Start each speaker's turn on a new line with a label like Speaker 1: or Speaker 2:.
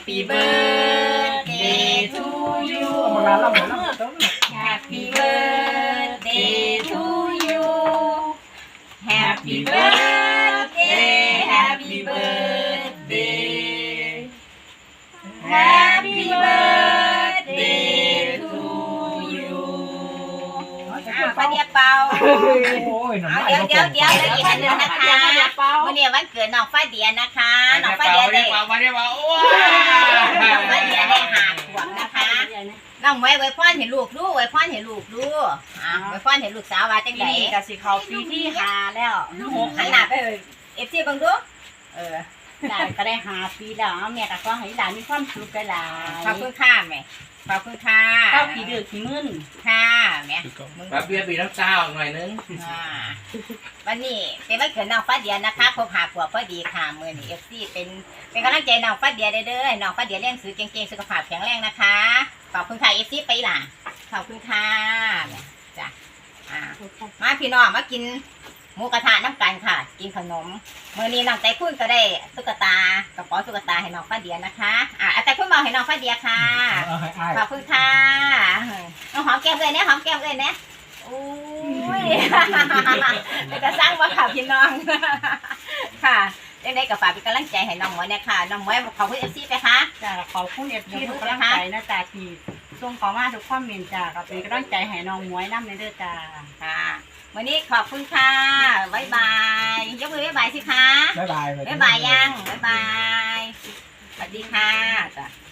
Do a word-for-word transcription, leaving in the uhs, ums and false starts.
Speaker 1: Happy birthday to you Happy birthday to you Happy birthday Happy birthday Happy birthday to you ป้าเดียเปาเอาเดี๋ยวเดี๋ยวเดี๋ยวอีกอันหนึ่งนะคะวันนี้วันเกิดน้องฟ้าเดียนะคะน้องฟ้าเดียได้น้องฟ้าเดียได้หาขวบนะคะน้องไว้ไว้พ่อเห็นลูกดูไว้พ่อเห็นลูกดูอ่ะไว้พ่อเห็นลูกสาวว่าจังได๋นี่ก็สิเข้าปีที่ห้าแล้วหกหันหน้าไปเอ้ย เอฟ ซี เบิ่งดูเออได้ก็ได้ห้าปีแล้วแม่ก็ขอให้หลานมีความสุขหลายขอบคุณค่ะแม่ขอบคุณค่ะเข้าปีเดือดปีมึนค่ะแม่
Speaker 2: แบบเบียร์ปีน้ำเจ้าหน่อยนึง
Speaker 1: วันนี้เป็นวันเกิดน้องฟ้าเดียนะคะครบห้าขวบพอดีค่ะมื้อนี้ เอฟ ซี เป็นเป็นกำลังใจน้องฟ้าเดียเด้อน้องฟ้าเดียเรียนหนังสือเก่งๆสุขภาพแข็งแรงนะคะขอบคุณค่ะ เอฟ ซี ไปล่ะขอบคุณค่ะจ้ะอ่ามาพี่น้องมากินหมูกระทะน้ำกันค่ะกินขนมมื้อนี้น้องใจคุณก็ได้ตุ๊กตากระเป๋าตุ๊กตาให้น้องฟ้าเดียนะคะอ่าแต่คุณบอกให้น้องฟ้าเดียค่ะขอบคุณค่ะน้องหอมแก้มเลยเนี่ยหอมแก้มเลยเนี่ยโอ้ยจะสร้างว่าข่าวพี่น้องค่ะยังได้กับฝากเป็นกำลังใจให้น้องหมวยเนี่ยค่ะน้องหมวยขอบคุณเอฟซีไปค่ะ
Speaker 3: จ้าขอบคุณเอฟซีทุกกำลังใจนะจ้าที่ส่งเข้ามาทุกคอมเมนต์จ้าก็เป็นกำลังใจให้น้องหมวยน้ำในเด้อจ้า
Speaker 1: ค่ะวันนี้ขอบคุณค่ะบ๊ายบายยกมือบ๊ายบายสิคะ
Speaker 4: บ๊ายบาย
Speaker 1: บ๊ายบายยังบ๊ายบายสวัสดีค่ะจ้ะ